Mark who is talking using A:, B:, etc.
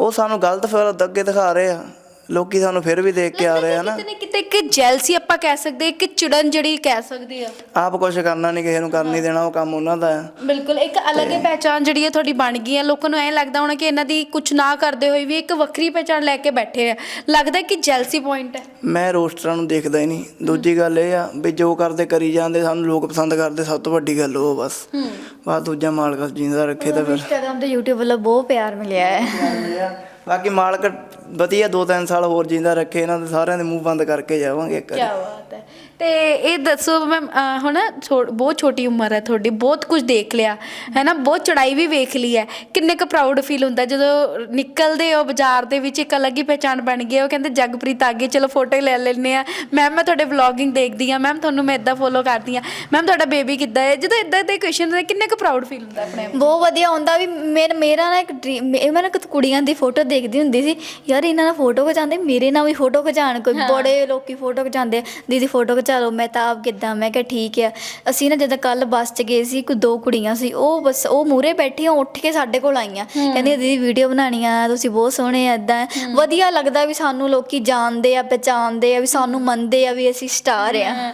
A: ਉਹ ਸਾਨੂੰ ਗਲਤ ਫਿਰ ਅੱਗੇ ਦਿਖਾ ਰਹੇ ਆ ਲੋਕੀ, ਸਾਨੂੰ ਫਿਰ ਵੀ ਦੇਖ ਕੇ ਆ ਰਹੇ ਆ ਨਾ।
B: ਕਿਤੇ ਨਾ ਕਿਤੇ ਇੱਕ ਜੈਲਸੀ ਆਪਾਂ ਕਹਿ ਸਕਦੇ, ਇੱਕ ਚਿੜਨ ਜਿਹੜੀ ਕਹਿ ਸਕਦੇ ਆ।
A: ਆਪ ਕੁਛ ਕਰਨਾ ਨਹੀਂ, ਕਿਸੇ ਨੂੰ ਕਰਨ ਨਹੀਂ ਦੇਣਾ, ਉਹ ਕੰਮ ਉਹਨਾਂ ਦਾ ਆ।
B: ਬਿਲਕੁਲ, ਇੱਕ ਅਲੱਗ ਹੀ ਪਹਿਚਾਣ ਜਿਹੜੀ ਹੈ ਤੁਹਾਡੀ ਬਣ ਗਈ ਹੈ। ਲੋਕਾਂ ਨੂੰ ਐਂ ਲੱਗਦਾ ਹੋਣਾ ਕਿ ਇਹਨਾਂ ਦੀ ਕੁਛ ਨਾ ਕਰਦੇ ਹੋਏ ਵੀ ਇੱਕ ਵੱਖਰੀ ਪਹਿਚਾਣ ਲੈ ਕੇ ਬੈਠੇ ਆ। ਲੱਗਦਾ ਕਿ ਜੈਲਸੀ ਪੁਆਇੰਟ ਹੈ।
A: ਮੈਂ ਰੋਸਟਰਾਂ ਨੂੰ ਦੇਖਦਾ ਹੀ ਨਹੀਂ। ਦੂਜੀ ਗੱਲ ਇਹ ਆ ਵੀ ਜੋ ਕਰਦੇ ਕਰੀ ਜਾਂਦੇ, ਸਾਨੂੰ ਲੋਕ ਪਸੰਦ ਕਰਦੇ, ਸਭ ਤੋਂ ਵੱਡੀ ਗੱਲ ਉਹ ਬਸ ਦੂਜਾ ਮਾਲਕ ਜਿੰਦਾ ਰੱਖੇ ਤਾਂ ਫਿਰ।
C: ਇੰਸਟਾਗ੍ਰਾਮ ਤੇ YouTube ਵੱਲੋਂ ਬਹੁਤ ਪਿਆਰ ਮਿਲਿਆ ਹੈ।
A: ਬਾਕੀ ਮਾਲਕ ਵਧੀਆ 2-3 ਸਾਲ ਹੋਰ ਜਿੰਦਾ ਰੱਖੇ, ਇਹਨਾਂ ਦੇ ਸਾਰਿਆਂ ਦੇ ਮੂੰਹ ਬੰਦ ਕਰਕੇ ਜਾਵਾਂਗੇ ਇੱਕ ਵਾਰੀ।
B: ਕਿਆ ਬਾਤ ਹੈ। ਤੇ ਇਹ ਦੱਸੋ ਮੈਮ, ਹੁਣ ਬਹੁਤ ਛੋਟੀ ਉਮਰ ਹੈ ਤੁਹਾਡੀ, ਬਹੁਤ ਕੁਝ ਦੇਖ ਲਿਆ ਹੈ ਨਾ, ਬਹੁਤ ਚੜਾਈ ਵੀ ਵੇਖ ਲਈ ਹੈ। ਕਿੰਨੇ ਕੁ ਪ੍ਰਾਊਡ ਫੀਲ ਹੁੰਦਾ ਜਦੋਂ ਨਿਕਲਦੇ ਹੋ ਬਾਜ਼ਾਰ ਦੇ ਵਿੱਚ, ਇੱਕ ਅਲੱਗ ਹੀ ਪਹਿਚਾਣ ਬਣ ਗਈ। ਉਹ ਕਹਿੰਦੇ ਜਗਪ੍ਰੀਤ ਆ ਗਈ, ਚਲੋ ਫੋਟੋ ਲੈ ਲੈਂਦੇ ਹਾਂ। ਮੈਮ ਮੈਂ ਤੁਹਾਡੇ ਵਲੋਗਿੰਗ ਦੇਖਦੀ ਹਾਂ, ਮੈਮ ਤੁਹਾਨੂੰ ਮੈਂ ਇੱਦਾਂ ਫੋਲੋ ਕਰਦੀ ਹਾਂ, ਮੈਮ ਤੁਹਾਡਾ ਬੇਬੀ ਕਿੱਦਾਂ ਹੈ। ਜਦੋਂ ਇੱਦਾਂ ਦੇ ਕੁਐਸਚਨ ਕਿੰਨੇ ਕੁ ਪ੍ਰਾਊਡ ਫੀਲ ਹੁੰਦਾ ਆਪਣੇ ਆਪ?
C: ਬਹੁਤ ਵਧੀਆ ਹੁੰਦਾ ਵੀ ਮੇਰਾ ਨਾ ਇੱਕ ਡਰੀਮ, ਮੈਂ ਨਾ ਕੁੜੀਆਂ ਦੀ ਫੋਟੋ ਦੇਖਦੀ ਹੁੰਦੀ ਸੀ, ਯਾਰ ਇਹਨਾਂ ਨਾਲ ਫੋਟੋ ਖਿਚਾਉਂਦੇ, ਮੇਰੇ ਨਾਲ ਵੀ ਫੋਟੋ ਖਿਚਾਉਣ। ਕੋਈ ਬੜੇ ਲੋਕੀ ਫੋਟੋ ਖਿਚਾਉਂਦੇ, ਦੀਦੀ ਫੋਟੋ ਖਿਚਾ ਲਓ। ਮੈਂ ਤਾਂ ਆਪ ਕਿੱਦਾਂ, ਮੈਂ ਕਿਹਾ ਠੀਕ ਆ। ਅਸੀਂ ਨਾ ਜਦੋਂ ਕੱਲ੍ਹ ਬੱਸ 'ਚ ਗਏ ਸੀ, ਕੋਈ 2 ਕੁੜੀਆਂ ਸੀ, ਉਹ ਬਸ ਉਹ ਮੂਹਰੇ ਬੈਠੀਆਂ, ਉੱਠ ਕੇ ਸਾਡੇ ਕੋਲ ਆਈਆਂ, ਕਹਿੰਦੀਆਂ ਦੀਦੀ ਵੀਡੀਓ ਬਣਾਉਣੀ ਆ, ਤੁਸੀਂ ਬਹੁਤ ਸੋਹਣੇ ਆ। ਇੱਦਾਂ ਵਧੀਆ ਲੱਗਦਾ ਵੀ ਸਾਨੂੰ ਲੋਕੀ ਜਾਣਦੇ ਆ, ਪਹਿਚਾਣਦੇ ਆ, ਵੀ ਸਾਨੂੰ ਮੰਨਦੇ ਆ ਵੀ ਅਸੀਂ ਸਟਾਰ ਆ।